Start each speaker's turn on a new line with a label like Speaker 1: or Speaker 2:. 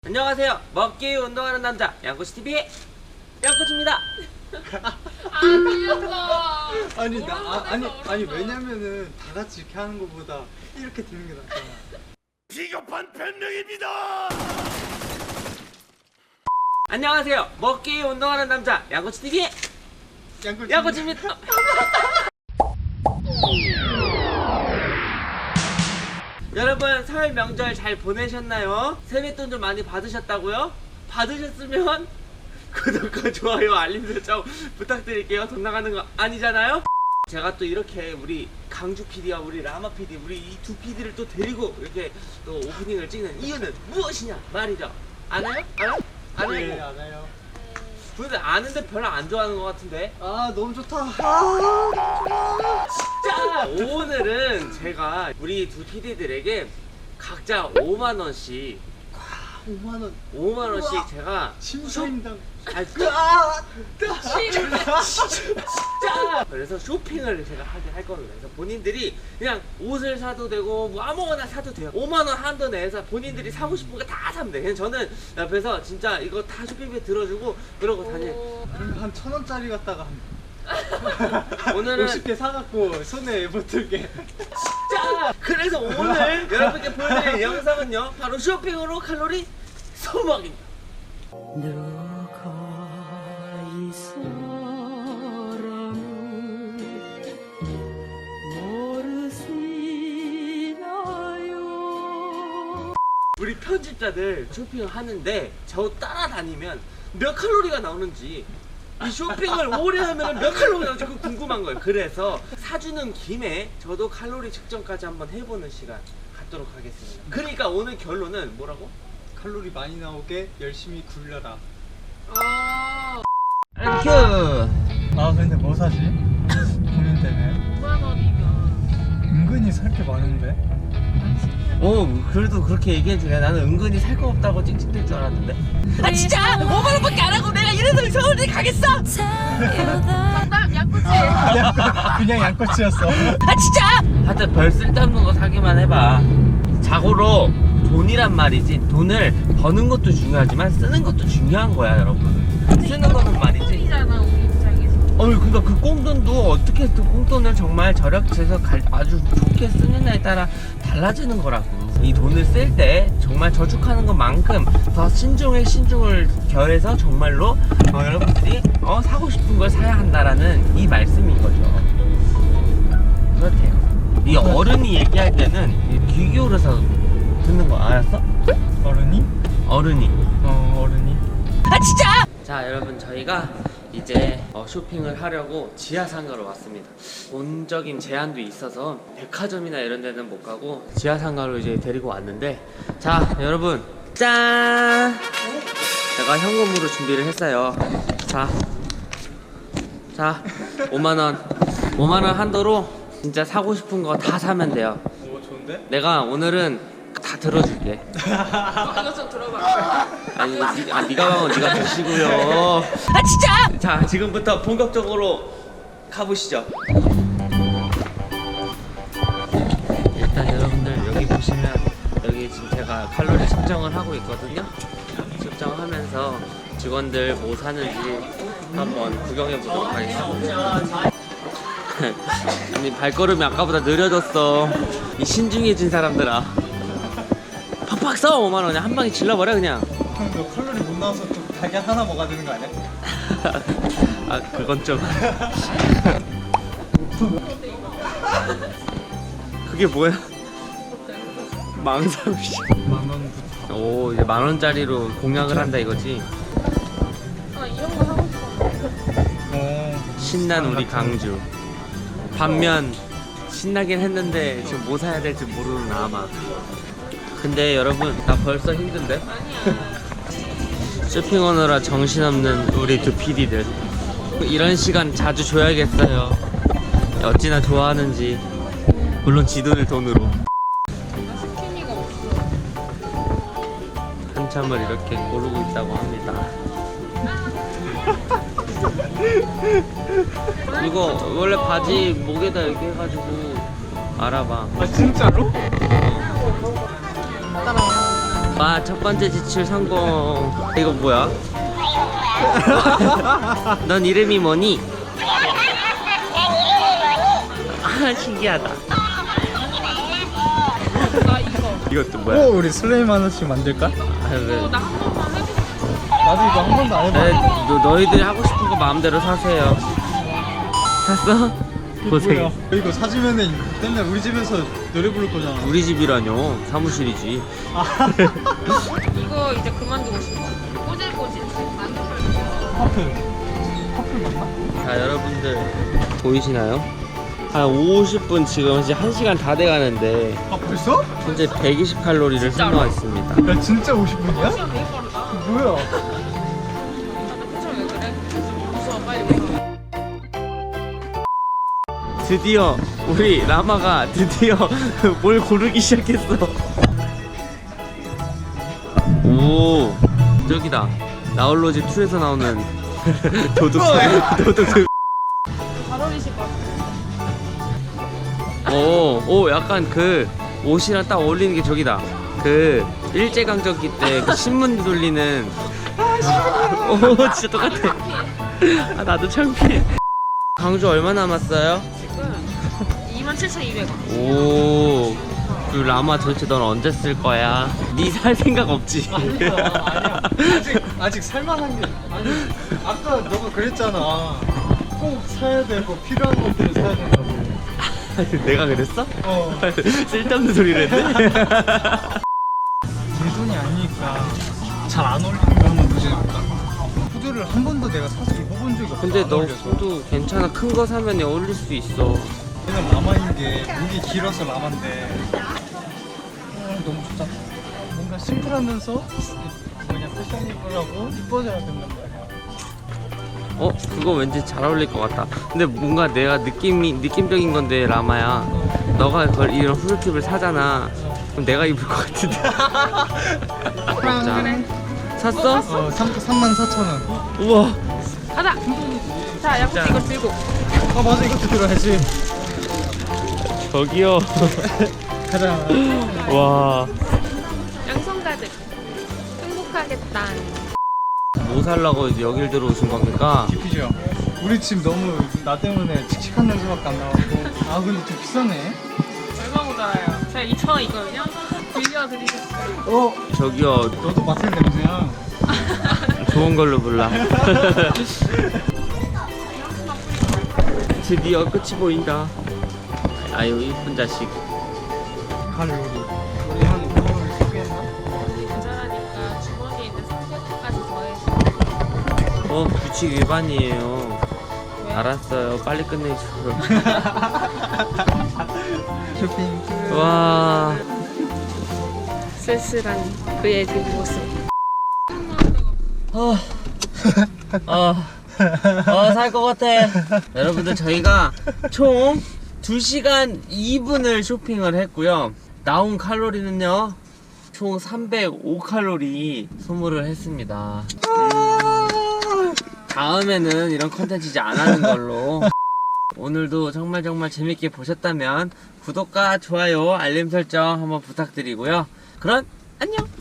Speaker 1: 안녕하세요. 먹기 운동하는 남자 양꼬치TV의 양꼬치입니다.
Speaker 2: 틀렸어. 아니 왜냐면은 다 같이 이렇게 하는 것보다 이렇게 듣는 게 낫잖아.
Speaker 3: 비겁한 변명입니다.
Speaker 1: 안녕하세요. 먹기 운동하는 남자 양꼬치TV의 양꼬치입니다. 여러분 설 명절 잘 보내셨나요? 세뱃돈 좀 많이 받으셨다고요? 받으셨으면 구독과 좋아요 알림 설정 부탁드릴게요. 돈 나가는 거 아니잖아요? 제가 또 이렇게 우리 강주 PD와 우리 라마 PD 우리 이 두 PD를 또 데리고 이렇게 또 오프닝을 찍는 이유는 무엇이냐 말이죠. 아나요? 알아요?
Speaker 2: 네,
Speaker 1: 아나요?
Speaker 2: 알아요.
Speaker 1: 근데 아는데 별로 안 좋아하는 것 같은데.
Speaker 2: 아 너무 좋다.
Speaker 1: 자, 오늘은 제가 우리 두 PD들에게 각자 5만원씩
Speaker 2: 5만 원.
Speaker 1: 5만원씩 제가
Speaker 2: 심사임당.
Speaker 1: 자, 그래서 쇼핑을 제가 하게 할 겁니다. 그래서 본인들이 그냥 옷을 사도 되고 뭐 아무거나 사도 돼요. 5만원 한도 내에서 본인들이 사고 싶은 거 다 사면 돼. 그냥 저는 옆에서 진짜 이거 다 쇼핑비 들어주고 그러고 다닐.
Speaker 2: 그럼 한 1,000원짜리 갖다가
Speaker 1: 오늘은
Speaker 2: 50개 사갖고 손에 붙을게.
Speaker 1: 자, 그래서 오늘 여러분께 보여드릴 영상은요 바로 쇼핑으로 칼로리 소모입니다.
Speaker 4: 누가 이 사람을 모르시나요?
Speaker 1: 우리 편집자들 쇼핑을 하는데 저 따라다니면 몇 칼로리가 나오는지 이 쇼핑을 오래 하면 몇 칼로리 나오는지 그거 궁금한 거예요. 그래서 사주는 김에 저도 칼로리 측정까지 한번 해보는 시간 갖도록 하겠습니다. 그러니까 오늘 결론은 뭐라고?
Speaker 2: 칼로리 많이 나오게 열심히 굴려라.
Speaker 1: 땡큐.
Speaker 2: 아 근데 뭐 사지? 고민되네.
Speaker 4: 5만 원이면
Speaker 2: 은근히 살 게 많은데.
Speaker 1: 오, 그래도 그렇게 얘기해주네. 나는 은근히 살 거 없다고 찍찍댈 줄 알았는데. 아 진짜 5만원밖에 안 하고 내가 이래서 서울에 가겠어?
Speaker 4: 정답 양꼬치.
Speaker 2: 그냥 양꼬치였어.
Speaker 1: 아 진짜? 하여튼 별 쓸데없는 거 사기만 해봐. 자고로 돈이란 말이지, 돈을 버는 것도 중요하지만 쓰는 것도 중요한 거야 여러분. 쓰는 거는 말이지,
Speaker 4: 잖아 우리 입장에서.
Speaker 1: 그러니까 그 꽁돈도 어떻게 그 꽁돈을 정말 절약해서 아주 좋게 쓰느냐에 따라 달라지는 거라고. 이 돈을 쓸 때 정말 저축하는 것만큼 더 신중을 겨해서 정말로 여러분들이 사고 싶은 걸 사야 한다라는 이 말씀인 거죠. 그렇대요. 이 어른이 얘기할 때는 귀 기울여서 듣는 거 알았어?
Speaker 2: 어른이?
Speaker 1: 어른이.
Speaker 2: 어른이.
Speaker 1: 아 진짜! 자 여러분, 저희가 이제 쇼핑을 하려고 지하상가로 왔습니다. 돈적인 제한도 있어서 백화점이나 이런 데는 못 가고 지하상가로 이제 데리고 왔는데, 자 여러분 짠! 제가 현금으로 준비를 했어요. 자 5만원 한도로 진짜 사고 싶은 거 다 사면 돼요.
Speaker 2: 오 좋은데?
Speaker 1: 내가 오늘은 다 들어줄게.
Speaker 4: 이거 좀 들어봐.
Speaker 1: 아니 네가 가면 네가 드시고요. 아 진짜! 자 지금부터 본격적으로 가보시죠. 일단 여러분들 여기 보시면 여기 지금 제가 칼로리 측정을 하고 있거든요. 측정하면서 직원들 뭐 사는지 한번 구경해 보도록 하겠습니다. 아니 발걸음이 아까보다 느려졌어. 이 신중해진 사람들아. 팍팍 써. 5만원에 한 방에 질러버려 그냥.
Speaker 2: 형 너 칼로리 못 나와서 또 달걀 하나 먹어야 되는 거 아니야?
Speaker 1: 아 그건 좀. 그게 뭐야? 망상씨.
Speaker 2: 10,000원부터.
Speaker 1: 오, 이제 10,000원짜리로 공략을 한다 이거지.
Speaker 4: 이런 거 하고 싶어.
Speaker 1: 신난 우리 강주. 반면 신나긴 했는데 지금 뭐 사야 될지 모르는 아마. 근데 여러분 나 벌써 힘든데? 쇼핑하느라 정신없는 우리 두 PD들. 이런 시간 자주 줘야겠어요. 어찌나 좋아하는지. 물론 지도를 돈으로.
Speaker 4: 스키니가 없어.
Speaker 1: 한참을 이렇게 고르고 있다고 합니다. 이거 원래 바지 목에다 이렇게 해가지고 알아봐.
Speaker 2: 아 진짜로?
Speaker 1: 와, 첫 번째 지출 성공. 이거 뭐야? 넌 이름이 뭐니? 아, 신기하다.
Speaker 4: 나 이거.
Speaker 1: 이것도
Speaker 2: 오,
Speaker 1: 뭐야?
Speaker 2: 우리 슬레임 하나씩 만들까?
Speaker 1: 아, 왜?
Speaker 4: 나 한 번만 해보고 싶어.
Speaker 2: 나도 이거 한 번도 안 해봐.
Speaker 1: 네, 너희들이 하고 싶은 거 마음대로 사세요. 샀어? 고생.
Speaker 2: 뭐야? 이거 사주면은 맨날 우리 집에서 노래 부를 거잖아.
Speaker 1: 우리 집이라뇨. 사무실이지.
Speaker 4: 이거 이제 그만두고 싶어. 꼬질꼬질.
Speaker 2: 커플. 커플 맞나?
Speaker 1: 자, 여러분들 보이시나요? 한 50분 지금 이제 1시간 다 돼가는데
Speaker 2: 아, 벌써?
Speaker 1: 현재 120칼로리를
Speaker 4: 진짜로?
Speaker 1: 소모했습니다.
Speaker 2: 야, 진짜 50분이야?
Speaker 4: 시간 되게 빠르다.
Speaker 2: 뭐야?
Speaker 4: 나 표정 왜 그래? 무서워, 빨리 가.
Speaker 1: 드디어 우리 라마가 드디어 뭘 고르기 시작했어. 오, 저기다. 나홀로지 2에서 나오는 도둑.
Speaker 4: 잘 어울리실 것 같아.
Speaker 1: 오, 약간 그 옷이랑 딱 어울리는 게 저기다. 그 일제강점기 때 그 신문 돌리는. 오, 진짜 똑같아. 아, 나도 창피해. 광주 얼마 남았어요?
Speaker 4: 지금 27,200원.
Speaker 1: 오, 그 라마 도대체 넌 언제 쓸 거야? 니 살 생각 없지?
Speaker 2: 아니야. 아직 살만한 게. 아니, 아까 너가 그랬잖아. 꼭 사야 되고 필요한 것들을 사야 된다고.
Speaker 1: 내가 그랬어?
Speaker 2: 어.
Speaker 1: 쓸데없는 소리를 했네?
Speaker 2: 내 돈이 아니니까 잘 안 어울리는 거 한번 보여줄까? 후드를 한 번도 내가 사서 입어본 적이 없어.
Speaker 1: 근데
Speaker 2: 안
Speaker 1: 너
Speaker 2: 어울려서.
Speaker 1: 후드 괜찮아. 큰 거 사면 어울릴 수 있어.
Speaker 2: 얘는 라마인 게 목이 길어서 라마인데 너무 좋잖아. 뭔가 심플하면서 뭐냐 패셔니블하고 이뻐져야 된단 말이야.
Speaker 1: 그거 왠지 잘 어울릴 것 같다. 근데 뭔가 내가 느낌적인 건데, 라마야. 너가 이런 후드팁을 사잖아. 그럼 내가 입을 것 같은데. 자, 샀어?
Speaker 2: 34,000원.
Speaker 1: 우와.
Speaker 4: 가자! 자, 약국
Speaker 1: 자.
Speaker 4: 이거 들고.
Speaker 2: 아 맞아, 이것도 들어야지.
Speaker 1: 저기요.
Speaker 2: 가자.
Speaker 1: 와.
Speaker 4: 양손 가득. 행복하겠다.
Speaker 1: 뭐 살라고 이제 여길 들어오신 겁니까?
Speaker 2: 디피죠. 우리 집 너무 나 때문에 칙칙한 냄새밖에 안 나고. 아 근데 좀 비싸네.
Speaker 4: 얼마 모자라요? 제가 2,000원이거든요? 빌려드리겠어요.
Speaker 2: 저기요. 너도 맡을 냄새야.
Speaker 1: 좋은 걸로 불라. 드디어 끝이 보인다. 아유, 이쁜 자식.
Speaker 2: 칼로리. 우리 한 5월 소개했나?
Speaker 4: 모자라니까 주머니에 있는 300원까지 더해서.
Speaker 1: 규칙 위반이에요.
Speaker 4: 왜?
Speaker 1: 알았어요. 빨리 끝내줘.
Speaker 2: 쇼핑.
Speaker 1: 와.
Speaker 4: 쓸쓸한 그의 뒷모습.
Speaker 1: 살 것 같아. 여러분들, 저희가 총 2시간 2분을 쇼핑을 했고요. 나온 칼로리는요, 총 305칼로리 소모를 했습니다. 다음에는 이런 컨텐츠 이제 안 하는 걸로. 오늘도 정말 재밌게 보셨다면 구독과 좋아요, 알림 설정 한번 부탁드리고요. 그럼 안녕!